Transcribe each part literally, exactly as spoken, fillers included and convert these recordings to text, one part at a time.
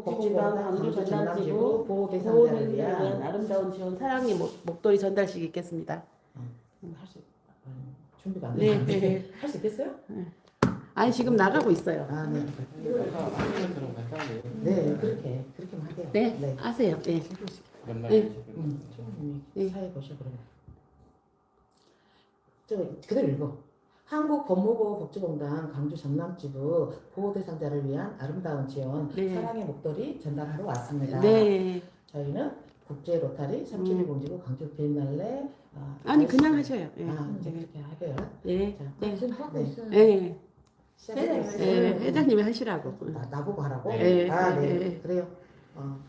복지공단 광주 전남지부 보호 대상자를 위한 아름다운 지원 사랑의 목, 목도리 전달식 있겠습니다. 할 수, 준비가 안 네, 되는데 네. 할 수 있겠어요? 아니 지금 나가고 있어요. 아, 네. 아까 간단히 네, 그렇게 그렇게만 하게요. 네, 네. 하세요. 네. 연말 네. 음, 좀 네. 사회 보셔 그러면. 저 그대로 읽어. 한국법무보호복지공단 광주 전남지부 보호 대상자를 위한 아름다운 지원 네. 사랑의 목도리 전달하러 왔습니다. 네. 저희는 국제 로타리 삼칠일공 지구 광주 비엔날레 아, 아니 아이씨- 그냥 하셔요. 예. 아, 이제 네. 그렇게 하게요. 네. 자, 네. 지금 하고 네. 있어요. 네. 시작해보겠습니다. 네. 회장님이 하시라고. 나, 나보고 하라고? 네. 아, 네. 네. 그래요. 어.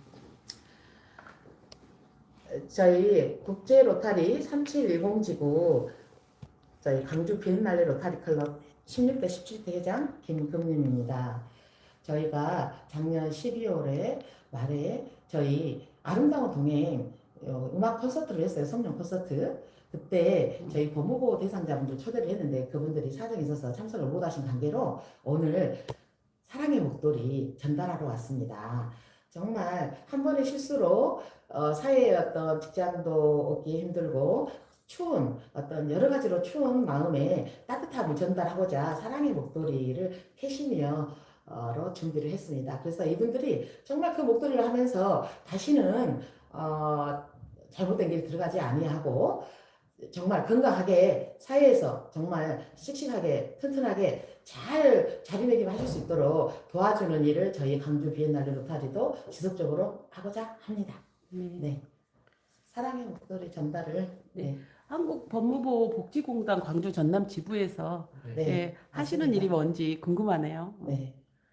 저희 국제 로타리 삼칠일공 지구 저희 광주 비엔날레 로타리 클럽 십육 대 십칠 대 회장 김금림입니다. 저희가 작년 십이월에 말에 저희 아름다운 동행 어, 음악 콘서트를 했어요. 성령 콘서트. 그때 저희 법무보호 대상자분들 초대를 했는데 그분들이 사정이 있어서 참석을 못하신 관계로 오늘 사랑의 목도리 전달하러 왔습니다. 정말 한 번의 실수로 어, 사회의 어떤 직장도 얻기 힘들고 추운 어떤 여러 가지로 추운 마음에 따뜻함을 전달하고자 사랑의 목도리를 캐시미어로 준비를 했습니다. 그래서 이분들이 정말 그 목도리를 하면서 다시는 어, 잘못된 길 들어가지 아니하고 정말 건강하게 사회에서 정말 씩씩하게 튼튼하게 잘 자리매김하실 수 있도록 도와주는 일을 저희 광주 비엔날레 로타리도 지속적으로 하고자 합니다. 네. 네, 사랑의 목도리 전달을 네, 한국 법무부 복지공단 광주 전남 지부에서 네, 예, 하시는 맞습니다. 일이 뭔지 궁금하네요. 네,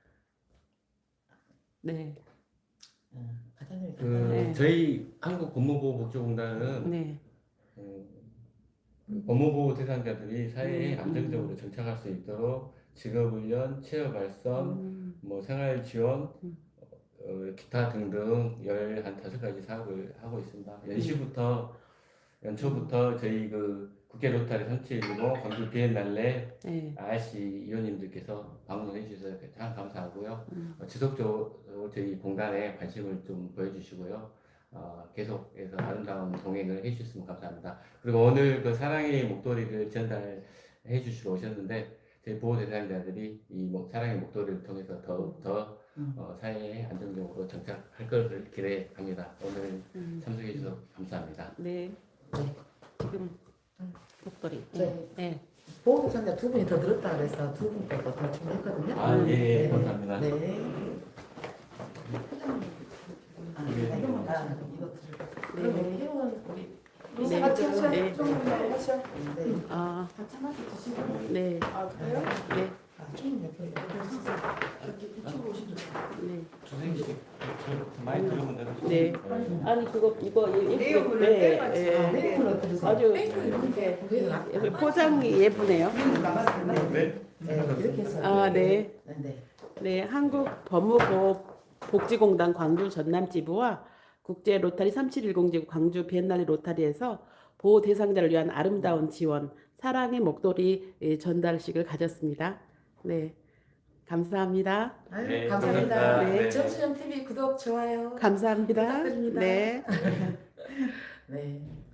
네. 어, 과장님이 그 간단하게 네. 저희 한국법무보호복지공단은 네. 음, 법무보호 대상자들이 사회에 음, 안정적으로 음. 정착할 수 있도록 직업훈련, 취업발전, 음, 뭐 생활지원, 음. 어, 기타 등등 열한 다섯 가지 사업을 하고 있습니다. 연시부터 연초부터 저희 그 국회 로타리 삼칠일공 광주 비엔날레 네. 아이씨 위원님들께서 방문해 주셔서 참 감사하고요. 음. 어, 지속적으로 저희 공단에 관심을 좀 보여주시고요. 어, 계속해서 아름다운 동행을 해주셨으면 감사합니다. 그리고 오늘 그 사랑의 목도리를 전달해 주시러 오셨는데 저희 보호 대상자들이 이 목- 사랑의 목도리를 통해서 더욱 더 음. 어, 사회에 안정적으로 정착할 것을 기대합니다. 오늘 음. 참석해 주셔서 감사합니다. 네. 네. 지금 목도리. 저희 네. 보호 대상자 두 분이 더 들었다 그래서 두 분 빼고 더 준비했거든요. 아, 예, 예, 네. 감사합니다. 네. 아, 네. 이거 아, 이거 들을까? 그러면 회원 우리 네. 네. 같이 하셔. 네. 좀 하셔. 네. 아, 한참 하시 드시고. 네. 아 그래요? 네. 아, 좀 옆에 이렇게 이쪽으로 오시면 네. 선생님, 많이 들으면 되는 네. 아니 그거 이거 내용을 네. 빼가지고. 예. 내용을 어떻게 드세요? 아주 이렇게 그게 낫- 예, 포장이 예쁘네요. 네. 네, 이렇게 해서. 아, 네. 네, 네. 네, 한국 법무부 복지공단 광주 전남지부와 국제 로타리 삼칠일공 지구 광주 비엔날레 로타리에서 보호 대상자를 위한 아름다운 지원 사랑의 목도리 예, 전달식을 가졌습니다. 네, 감사합니다. 아유, 네, 감사합니다. 감사합니다. 네. 네. 정수영 티비 구독, 좋아요. 감사합니다. 부탁드립니다. 네. 네.